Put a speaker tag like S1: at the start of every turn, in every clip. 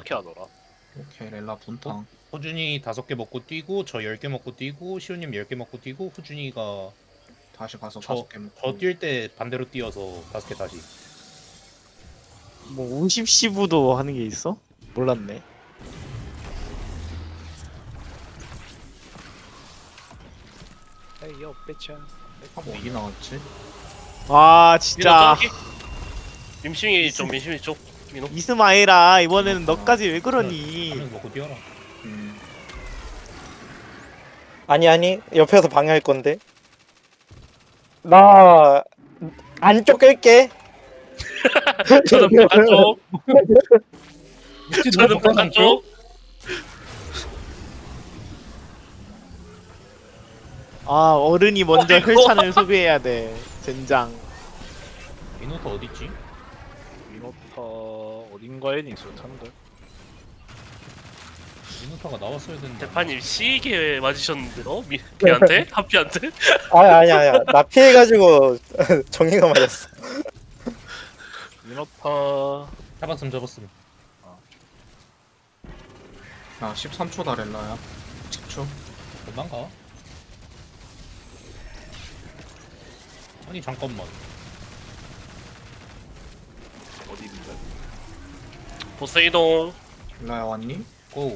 S1: 어떻게 하더라?
S2: 오케이 렐라 분탕.
S3: 호준이 5개 먹고 뛰고 저 10개 먹고 뛰고 시우님 10개 먹고 뛰고 호준이가
S2: 다시 가서
S3: 저
S2: 5개 먹고.
S3: 뛸 때 반대로 뛰어서 5개 다시.
S4: 뭐 50시부도 하는 게 있어? 몰랐네.
S1: 에이 요 배차.
S2: 뭐 이게 나왔지?
S4: 와 진짜
S5: 민심이 좀 민심이 좀 민호.
S4: 이스마일아 이번에는 너까지 왜 그러니?
S3: 한명 먹고 뛰어라.
S2: 음.
S6: 아니 옆에서 방해할 건데 나 안쪽 끌게.
S5: 저는 바깥쪽. 저는 바깥쪽.
S4: 아 어른이 먼저
S5: 어이구.
S4: 혈찬을 소비해야 돼. 젠장.
S3: 미노터 어딨지?
S1: 미노타 어딘가에 있었는데.
S3: 미노터가 나왔어야 되는데.
S5: 대파님 시계 맞으셨는데요? 걔한테? 하피한테?
S6: 아니야 나 피해가지고 정의가 맞았어.
S1: 미노타
S3: 잡았음.
S2: 야 13초다 렐라야. 10초.
S3: 금방 가. 아니 잠깐만.
S1: 어디 있는데?
S5: 보스 이동.
S2: 렐라야 왔니?
S3: 고.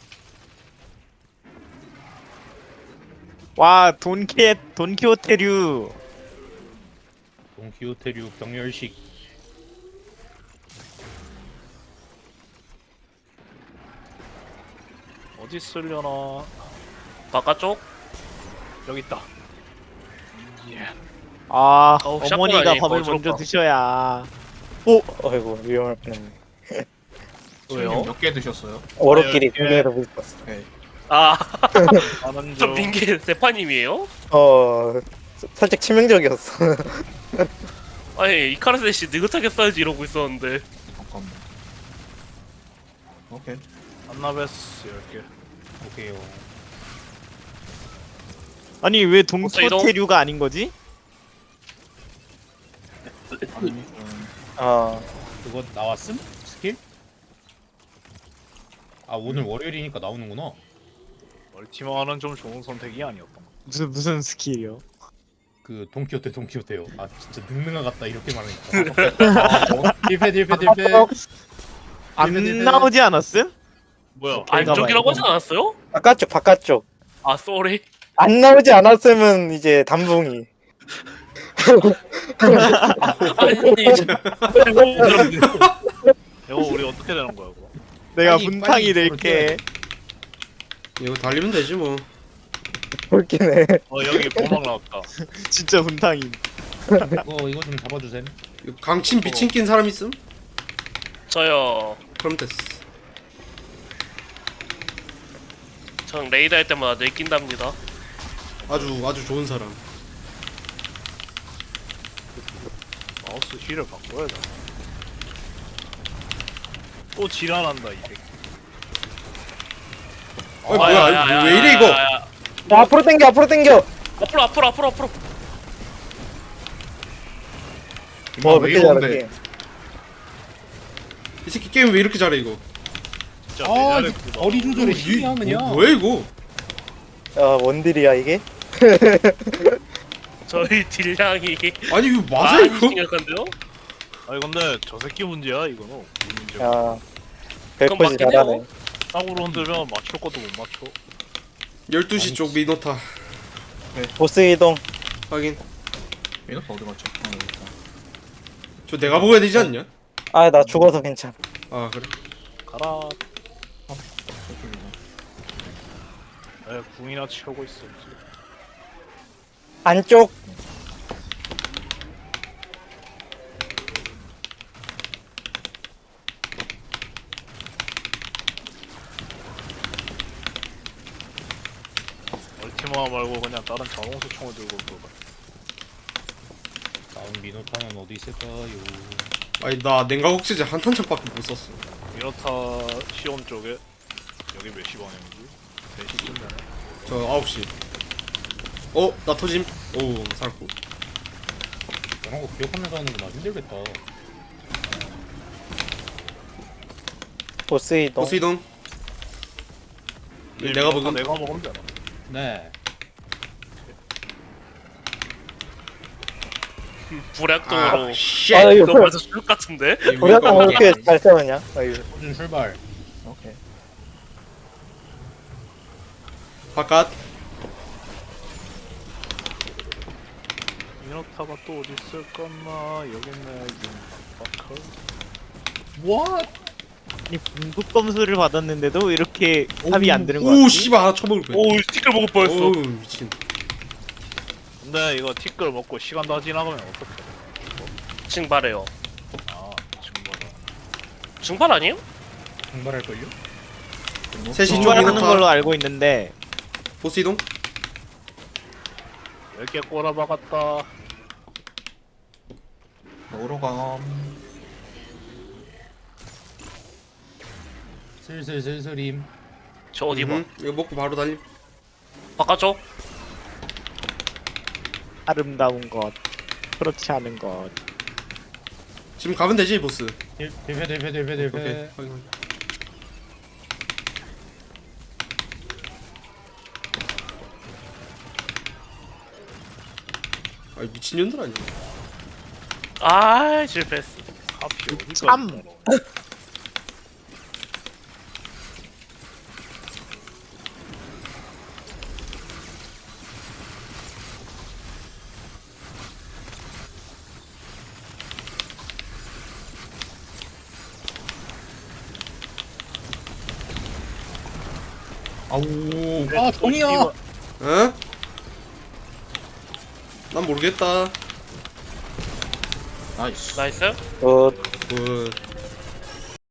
S4: 와 돈키호테류.
S3: 동키호테류 병렬식.
S1: 어디 쓰려나?
S5: 바깥쪽.
S1: 여기 있다. 예.
S4: 아
S5: 어우,
S4: 어머니가
S5: 샷건
S4: 밥을
S5: 아니고
S4: 먼저
S5: 어지럽다.
S4: 드셔야.
S6: 어이구 위험할 뻔했네.
S5: 왜요?
S2: 몇개 드셨어요?
S6: 어렵길이
S1: 예.
S6: 등에서 붙었어.
S2: 오케이.
S5: 아,
S1: 나는
S5: 좀 빈게 대파님이에요?
S6: 살짝 치명적이었어.
S5: 아니 이카르세 씨 느긋하게 써야지 이러고 있었는데.
S2: 잠깐만. 오케이.
S1: 안나베스 10개.
S3: 오케이요.
S4: 아니 왜
S5: 보스 이동.
S4: 돈키호테류가 아닌 거지?
S2: 아니
S3: 그거 나왔음? 스킬? 아 오늘 월요일이니까 나오는구나.
S1: 멀티마는 좀 좋은 선택이 아니었던 것
S4: 무슨 스킬이요?
S3: 그 동키호테요. 아 진짜 능능아 같다 이렇게 말하니까. 딜패.
S4: 안 나오지 않았음?
S1: 뭐야?
S5: 안쪽이라고 하진 않았어요?
S6: 바깥쪽
S5: 아 쏘리.
S6: 안 나오지 않았으면 이제 단붕이.
S5: 아니
S1: 이거 우리 어떻게 되는 거야 이거?
S4: 내가
S3: 빨리
S4: 문탕이
S3: 이쪽으로
S4: 될게.
S7: 이거 달리면 되지 뭐.
S6: 웃기네.
S1: 여기 보막 나왔다.
S4: 진짜 문탕임.
S3: 이거 좀 잡아주셈.
S7: 이거 강침 비친 낀 사람 있음?
S5: 저요.
S7: 그럼 됐어.
S5: 전 레이드 할 때마다 내낀답니다.
S7: 아주 좋은 사람.
S1: 마우스 휠을 바꿔야 돼. 또 지랄한다 이 새끼.
S7: 어 뭐야? 왜 이래 이거?
S5: 야.
S6: 야, 앞으로 당겨.
S5: 앞으로.
S6: 몇
S2: 왜
S6: 개
S2: 이런데?
S6: 잘하게.
S7: 이 새끼 게임 왜 이렇게 잘해 이거?
S1: 진짜
S3: 아
S1: 내자랬구나.
S3: 거리 조절이 심리야 그냥.
S7: 뭐야 이거?
S6: 야, 원딜이야 이게?
S5: 저희 딜량이
S7: 아니 이거 맞아
S5: 많이
S7: 이거?
S5: 심각한데요?
S1: 아니 근데 저 새끼 문제야 이거는. 우리 문제야.
S6: 야,
S5: 그건
S6: 별거지
S5: 맞긴
S6: 잘하네.
S5: 해요.
S1: 땅으로 흔들면 맞출 것도 못 맞춰.
S7: 12시 쪽 미노타
S6: 보스 이동.
S7: 확인.
S2: 미노터 어디 갔지? 여기 있다.
S7: 저 내가 먹어야 되지 않냐?
S6: 아, 나 죽어서 괜찮아.
S7: 아 그래?
S1: 가라.
S2: 저쪽이다.
S1: 궁이나 치우고 있어.
S6: 안쪽.
S1: 멀티마 말고 그냥 다른 자동수총을 들고 올 거야.
S3: 다음 미노타는 어디 있을까요?
S7: 아니 나 냉각옥제제 한 탄창밖에 못 썼어.
S1: 미노타 시온 쪽에 여기 몇 시 방향이지? 3시쯤 되네.
S7: 저 9시. 나 터짐. 오 살았고.
S3: 이런 거 기억하면서 하는 게 나 힘들겠다.
S6: 보스 이동.
S7: 보스 이동. 내가
S1: 다
S7: 먹은.
S1: 내가 먹으면 되나?
S3: 네.
S5: 불약동으로
S7: 아, 쉣.
S6: 아, 이거
S5: 그거 벌써 죽을 것 같은데?
S6: 우리가 왜 이렇게 잘 싸우냐? 아이고.
S3: 호준 출발.
S2: 오케이.
S7: 바깥.
S1: 미노타가 또 어디 있을까나? 여기 있네. 바카.
S3: What?
S4: 아니 궁극 검수를 받았는데도 이렇게 합이 안 되는 거
S7: 오,
S4: 같지?
S7: 씨발 하나 쳐먹을 뻔.
S5: 오 티끌 먹을 뻔했어.
S7: 어우, 미친.
S1: 근데 이거 티끌 먹고 시간 다 지나가면 어떡해?
S5: 증발해요.
S1: 아, 정말.
S5: 증발 아니에요?
S3: 증발할걸요?
S7: 셋이 좀
S4: 중발하는 걸로
S7: 미노타.
S4: 알고 있는데
S7: 보스 이동.
S1: 10개 꼬라박았다.
S2: 먹으러 감.
S3: 슬슬슬슬임.
S5: 저 어디 봐.
S7: 이거 먹고 바로 달림.
S5: 바깥쪽.
S4: 아름다운 것 그렇지 않은 것
S7: 지금 가면 되지, 보스.
S3: 대패
S7: 오케이.
S3: 대패.
S7: 확인. 아, 미친년들 아니야?
S5: 아 실패했어.
S1: 카피 어디까지
S4: 참.
S1: 살아?
S3: 아우. 아 정이야.
S7: 어? 난 모르겠다.
S2: 나이스.
S5: 나이스.
S6: 굿.
S7: 굿.